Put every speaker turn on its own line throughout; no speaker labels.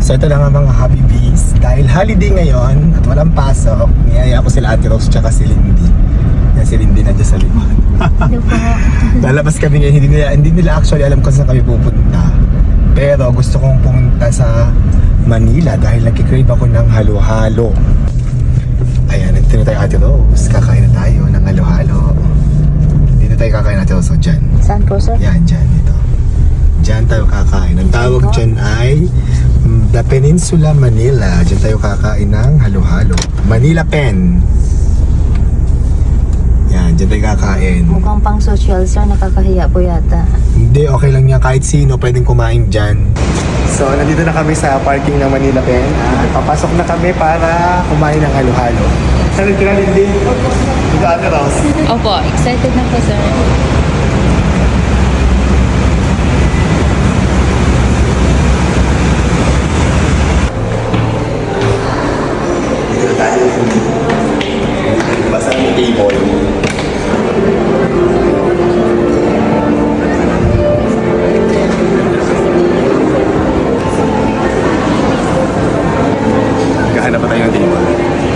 So ito na nga mga Habibis. Dahil holiday ngayon at walang pasok, niyaya ko sila Ate Rose tsaka si Lindy. Yan si Lindy na dyan sa likod.
Hello po.
Lalabas kami ngayon, hindi nila actually alam kung saan kami pupunta. Pero gusto kong pumunta sa Manila dahil nagkikrave ako ng halo-halo. Ayan, nandito na tayo Ate Rose. Kakain na tayo ng halo-halo. Dito tayo kakain Ate Rose. So dyan.
Saan po, sir?
Yan, dyan. Dito. Dyan tayo kakain. Ang tawag dyan ay The Peninsula Manila. Dyan tayo kakain ng halo-halo. Manila Pen. Yan, dyan tayo kakain.
Mukhang pang social, sir. Nakakahiya po yata.
Hindi, okay lang yan. Kahit sino pwedeng kumain dyan. So, nandito na kami sa parking ng Manila Pen. At papasok na kami para kumain ng halo-halo. Saan ka na, Lindy? Dito, Ate Rose.
Opo, excited na po, sir.
Dito na tayo. Basta yung table. Naghahanap pa tayo ng table.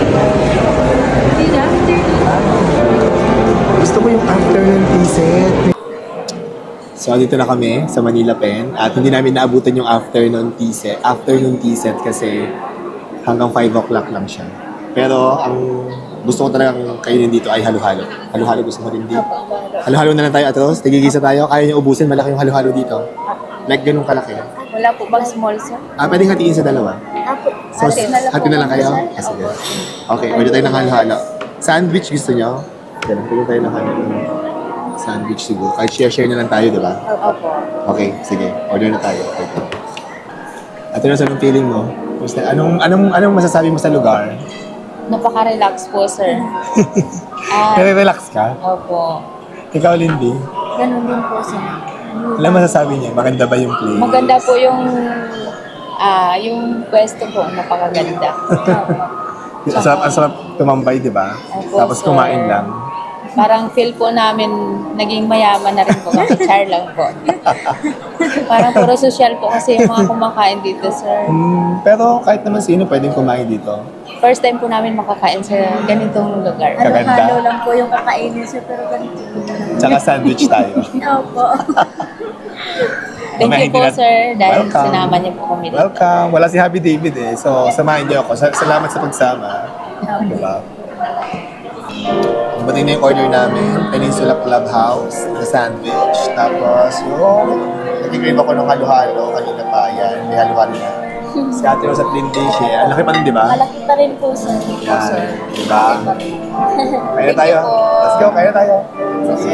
Gusto ko yung afternoon tea set. So, dito na kami sa Manila Pen at hindi namin naabutan yung afternoon tea set kasi hanggang 5 o'clock lang siya. Pero ang gusto ko talagang kainin dito ay halo-halo. Halo-halo gusto ko rin dito. Halo-halo na lang tayo, Atros. Tigigisa tayo. Kaya niyo ubusin. Malaki yung halo-halo dito. Like ganun kalaki.
Wala po bang small, sir?
Pwedeng hatiin sa dalawa.
Apo.
So, hati na lang kayo? Sige. Okay, order tayo ng halo-halo. Sandwich gusto niyo? Ganun, order tayo ng halo-halo. Sandwich siguro. Kahit share-share na lang tayo, di ba?
Opo.
Okay, sige. Order na tayo. Okay. Atros, anong feeling mo? Anong masasabi mo sa lugar?
Napaka-relax po, sir.
Relax ka?
Opo.
Ikaw, Lindy?
Ganun din po, sir.
Alam masasabi niya, maganda ba yung place?
Maganda po yung pwesto po, napakaganda.
Ang sarap tumambay, di ba?
Opo,
Tapos
sir.
kumain lang.
Parang feel po namin naging mayaman na rin po kasi char lang po. Parang puro social po kasi yung mga kumakain dito, sir.
Pero kahit naman sino pwedeng kumain dito.
First time po namin makakain sa ganitong lugar.
Kaganda.
Halo-halo lang po yung kakainin siya, pero ganito.
Tsaka sandwich tayo.
Opo.
Thank you po, sir, dahil
Welcome.
sinama niyo po kami dito.
Welcome. Wala si Happy David eh. So, samahin niyo ako. Salamat sa pagsama. Diba? Dumating na yung order namin. Peninsula Clubhouse na sandwich. Tapos yung nag-crave ako ng halo-halo. Kanina pa yan. May halo-halo na. Si Ate Rose at Lindy siya. Ang laki pa rin, di ba?
Malaki pa rin po, sir.
Yan. Diba? Kaya na tayo. Let's go. Kaya na tayo. Sige.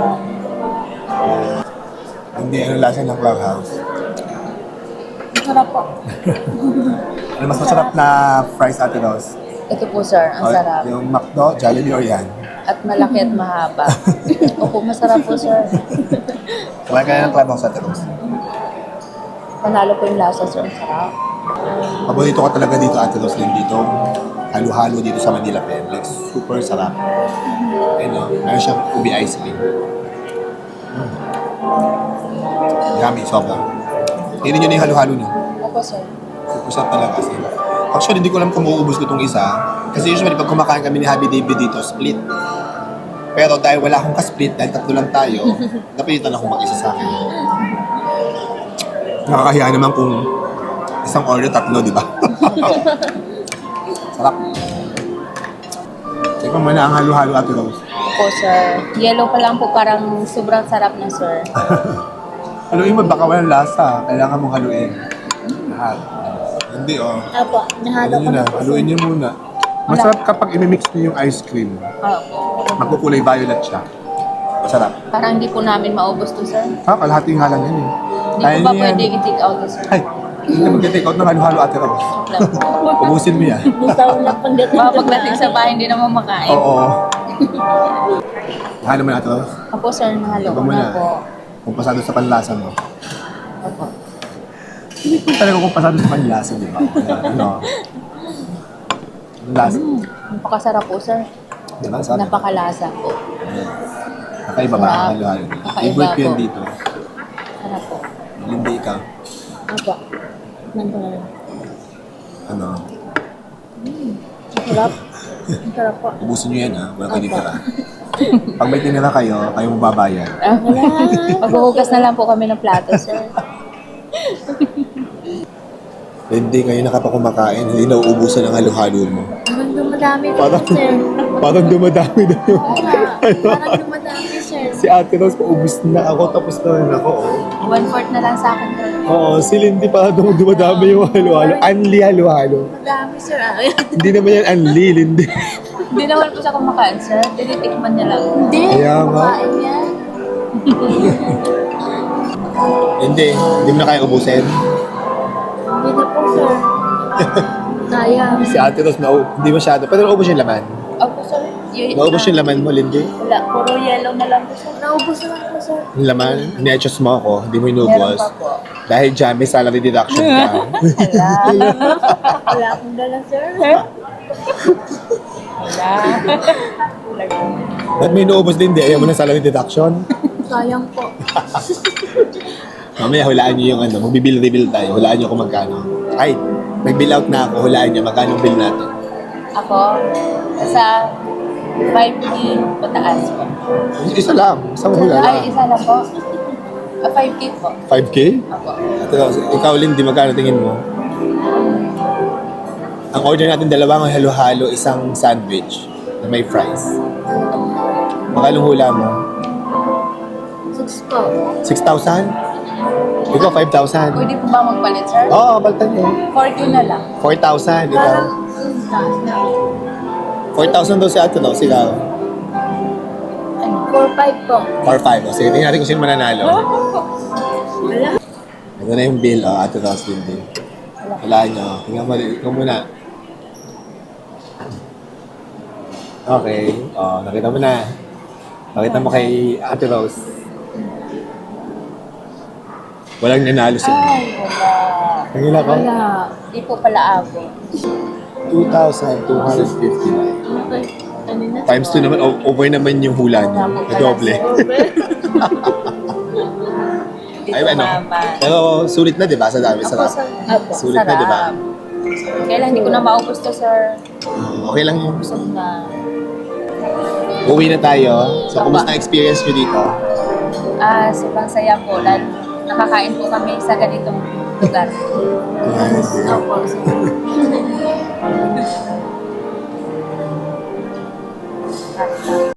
Hindi, ano lasa ng Clubhouse?
Sarap po.
Ano mas masarap na fries, Ate Rose?
Ito po, sir, ang sarap.
Yung McDo, Jollibee or yan?
At malaki at mahaba. Opo, masarap po, sir.
Kumain ka na ng Clubhouse, Ate Rose.
Panalo po yung lasa, sir. Ang sarap.
Paborito ko talaga dito, Ate Rose, din dito. Halo-halo dito sa Manila Pen. Like, super sarap. Ayun o, meron siyang ubi ice cream. Yummy, sobra. Tingnan nyo na yung halo-halo niyo.
Opo, sir.
Super sarap talaga kasi. Actually, hindi ko alam kung mauubos ko itong isa. Kasi usually, pag kumakain kami ni Happy David dito, split. Pero dahil wala akong ka-split, dahil tatlo lang tayo, napilitan akong mag-isa sa akin. Nakakahiya naman kung isang order, tatlo, di ba? Sarap. Ikaw mo na ang halo-halo, Ate Rose.
Opo, sir. Yellow pa lang po, parang sobrang sarap na, sir.
Haluin mo, baka walang lasa. Kailangan mong haluin. Lahat. Hindi, oh.
Opo, nahalo
Haluin
ko
nyo na.
na po.
Haluin nyo muna. Masarap kapag imimix nyo yung ice cream.
Opo.
Magkukulay violet siya. Masarap.
Parang hindi po namin maubos to, sir.
Kalahati nga lang yan eh.
Hindi
Kaya
po ba
niyo yan.
pwede i-take out to, sir?
Ay, hindi na mag-take out ng halo-halo, Ate Rose.
Lang po.
Ubusin mo yan.
Bitaw na pagdating
Baka pagdating sa bahay, hindi naman makain.
Oo. Halo mo na, Ate Rose.
Opo, sir. Nahalo
Ikaw
ko
muna.
na po.
Kung pasado sa panlasa mo.
Opo.
Hindi ko talaga kung pasado sa panlasa, di ba? Ano? Ang lasa.
Napakasarap po, sir.
Di ba? Sarap.
Napakalasa po.
Kakaiba ba ang halo-halo?
Kakaiba
Favorite ko yan
po.
dito.
Sarap po.
Hindi ikaw.
Opo.
Tikman ko na lang.
Ano?
Ang sarap. Ang sarap po.
Ubusin nyo yan, ha? Wala kayo titira. Pag may tinira kayo, kayo magbabayad.
Wala.
Maghuhugas na lang po kami ng plato, sir.
Hindi kayo nakapakumakain, hindi nauubusan ang halo-halo mo.
Parang dumadami po,
Parang,
sir.
parang dumadami na yung...
Oo nga. Parang dumadami, sir.
Si Ate Rose, paubos na ako, tapos na rin ako. Oh.
1/4 na lang sa akin, sir.
Oo, si Lindy parang dumadami yung halo-halo. Anli halo-halo.
Madami, sir.
Hindi naman yan anli, Lindy.
Hindi naman po siya kumakain, sir. Tinitikman niya lang.
Hindi.
Kaya nga.
Kumakain yan.
Hindi mo na kaya ubusin.
Hindi na po, sir. Sayang.
Si Ate Rose, hindi masyado. Pero naubos yung laman.
Opo, sir.
Naubos yung laman mo, Lindy.
Wala, puro yellow na lang po, sir.
Naubos na lang po, sir.
Yung laman, ni-adjust mo ako, hindi mo
Meron
inubos.
pa po.
Dahil dyan, may salary deduction ka.
Wala.
Wala akong dala, sir.
Wala.
Ba't may inuubos, Lindy? Ayaw mo ng salary deduction?
Sayang po.
Mamaya, hulaan niyo yung ano, magbibill-rebill tayo. Hulaan niyo kung magkano. Ay, nag-bill out na ako. Hulaan niyo, magkano bill natin.
Ako, sa 5K pataas po.
Isa lang. Isang hula
Ay,
lang.
isa lang po. 5K po.
5K?
Ako.
Ate Rose, ikaw, Lindy, magkano tingin mo? Ang order natin dalawang halo-halo, isang sandwich na may fries. Magkano hula mo?
6 po.
6,000? Ikaw, 5,000.
Pwede po ba magpalit, sir?
Oo, baltan niyo.
4K na lang.
4,000, ikaw.
Parang, taas na.
4,000 daw si Ate Rose, ikaw.
Ano?
4-5 po.
Or 5. O, sige, tingnan natin kung sino mananalo.
Wala.
Ito na yung bill, Ate Rose, Lindy. Wala nyo. Tingnan mo, ikaw muna. Okay. O, nakita mo na. Nakita mo kay Ate Rose. Walang nanalo si
Ay, wala.
Nangila ko?
Wala.
Di po pala ako.
2,259.
Okay. Kanina.
Times 2 naman, over naman yung hula niyo. Na doble.
Di
Ay,
po
ano?
mama.
Pero sulit na, di ba? Sa dami,
Ako,
sarap.
sir.
Sulit na, di ba?
Kailan hindi ko na maubos to, sir.
Okay lang yun.
Busog na.
Uwi na tayo. So, kumusta ang experience nyo dito?
Sobrang saya po. Lalo nakakain po kami sa ganitong lugar.
Opo.